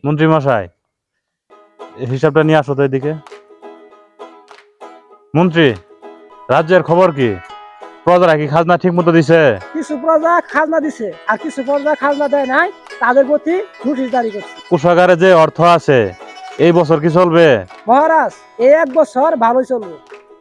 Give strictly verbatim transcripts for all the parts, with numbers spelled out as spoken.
মন্ত্রী মশাই, হিসাবটা নিয়ে আসো তো এদিকে। মন্ত্রী, রাজ্যের খবর কি? প্রজারা কি খাজনা ঠিক মতো দিছে? কিছু প্রজা খাজনা দিছে আর কিছু প্রজা খাজনা দেয় নাই, তাদের প্রতি নোটিশ জারি করছে। কোষাগারে যে অর্থ আছে এই বছর কি চলবে? মহারাজ, এই এক বছর ভালোই চলবে।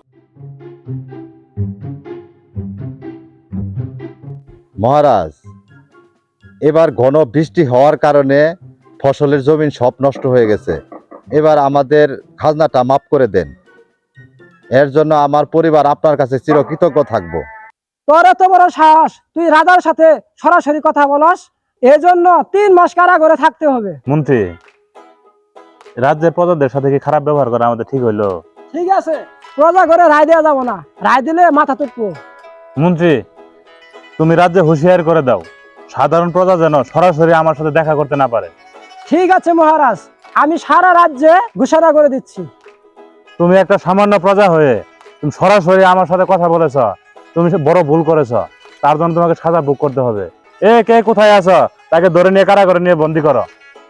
মহারাজ, এবার ঘন বৃষ্টি হওয়ার কারণে ফসলের জমিন সব নষ্ট হয়ে গেছে। এবার আমাদের খাজনাটা মাফ করে দেন। এর জন্য আমার পরিবার আপনার কাছে চিরকৃতজ্ঞ থাকবো। তোর এত বড় সাহস, তুই রাজার সাথে সরাসরি কথা বলস? এজন্য তিন মাস কারাগারে থাকতে হবে। মন্ত্রী, রাজ্যের প্রজাদের সাথে কি খারাপ ব্যবহার করা আমাদের ঠিক হইলো? ঠিক আছে, প্রজা ঘরে রায় দেওয়া যাবো না, রায় দিলে মাথা তুটবো। মন্ত্রী, তুমি রাজ্যে হুঁশিয়ার করে দাও, সাধারণ প্রজা যেন সরাসরি আমার সাথে দেখা করতে না পারে। ঠিক আছে মহারাজ, আমি সারা রাজ্যে ঘোষণা করে দিচ্ছি। তুমি একটা সামান্য প্রজা হয়ে তুমি সরাসরি আমার সাথে কথা বলেছ, তুমি সে বড় ভুল করেছ। তার জন্য তোমাকে সাজা ভোগ করতে হবে। এ কে কোথায় আছো? তাকে ধরে নিয়ে কারাগারে নিয়ে বন্দি করো।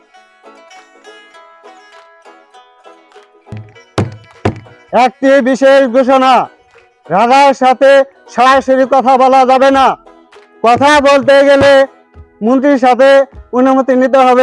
একটি বিশেষ ঘোষণা, রাজার সাথে সরাসরি কথা বলা যাবে না। কথা বলতে গেলে মন্ত্রীর সাথে অনুমতি নিতে হবে।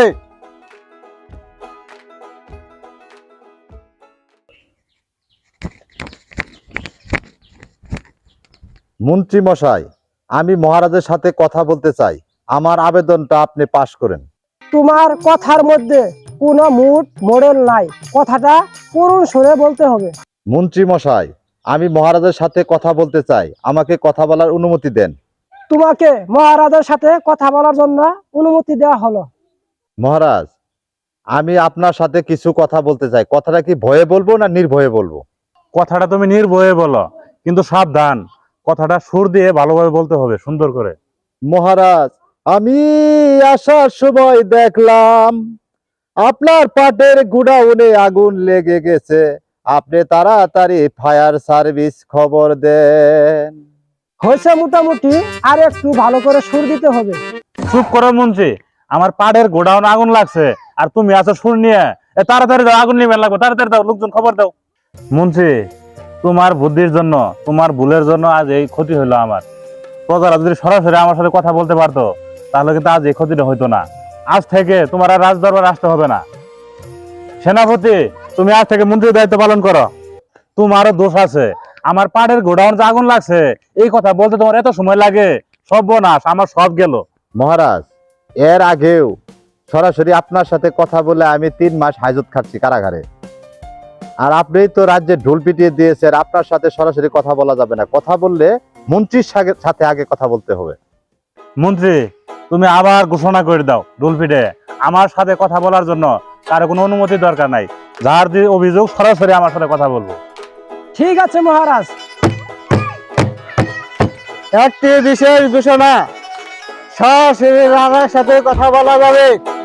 মন্ত্রী মশাই, আমি মহারাজের সাথে কথা বলতে চাই। আমার আবেদনটা আপনি পাশ করেন। তোমার কথার মধ্যে কোনো মুড মডেল নাই, কথাটা করুণ সুরে বলতে হবে। মন্ত্রী মশাই, আমি মহারাজের সাথে কথা বলতে চাই। আমাকে কথা বলার অনুমতি দেন। তোমাকে মহারাজের সাথে কথা বলার জন্য অনুমতি দেওয়া হলো। মহারাজ, আমি আপনার সাথে কিছু কথা বলতে চাই। কথাটা কি ভয়ে বলবো না নির্ভয়ে বলবো? কথাটা তুমি নির্ভয়ে বলো, কিন্তু সাবধান, কথাটা সুর দিয়ে ভালোভাবে বলতে হবে, সুন্দর করে। মহারাজ, আমি আসার সময় দেখলাম আপনার পাটের গুডাউনে আগুন লেগে গেছে। আপনি তাড়াতাড়ি ফায়ার সার্ভিস খবর দেন। হয়েছে মোটামুটি, আর একটু ভালো করে সুর দিতে হবে। চুপ করো মন্ত্রী, আমার পাড়ের গোডাউন আগুন লাগছে আর তুমি আছো সুর নিয়ে। এ তাড়াতাড়ি দাও, আগুন নিবে লাগবে, তাড়াতাড়ি দাও, লোকজন খবর দাও। মন্ত্রী, তোমার বুদ্ধির জন্য, তোমার ভুলের জন্য আজ এই ক্ষতি হলো আমার। প্রজারা যদি সরাসরি আমার সাথে কথা বলতে পারতো তাহলে কিন্তু আজ এই ক্ষতিটা হইতো না। আজ থেকে তোমার আর রাজদরবার আসতে হবে না। সেনাপতি, তুমি আজ থেকে মন্ত্রীর দায়িত্ব পালন করো। তোমারও দোষ আছে, আমার পাড়ের গোডাউন যে আগুন লাগছে এই কথা বলতে তোমার এত সময় লাগে। সর্বনাশ, আমার সব গেল। মহারাজ, এর আগেও সরাসরি আপনার সাথে কথা বলে আমি তিন মাস হাজত খাচ্ছি কারাগারে। আর আপনি তো রাজ্যে ঢোল পিটিয়ে দিয়েছেন। আপনার সাথে সরাসরি কথা বলা যাবে না। কথা বললে মন্ত্রীর সাথে আগে কথা বলতে হবে। মন্ত্রী, তুমি আবার ঘোষণা করে দাও ডুলপিটে আমার সাথে কথা বলার জন্য কারো কোনো অনুমতি দরকার নাই। যার যে অভিযোগ সরাসরি আমার সাথে কথা বলবো। ঠিক আছে মহারাজ। একটি বিশেষ ঘোষণা, সরাসরি রাজার সাথে কথা বলা যাবে।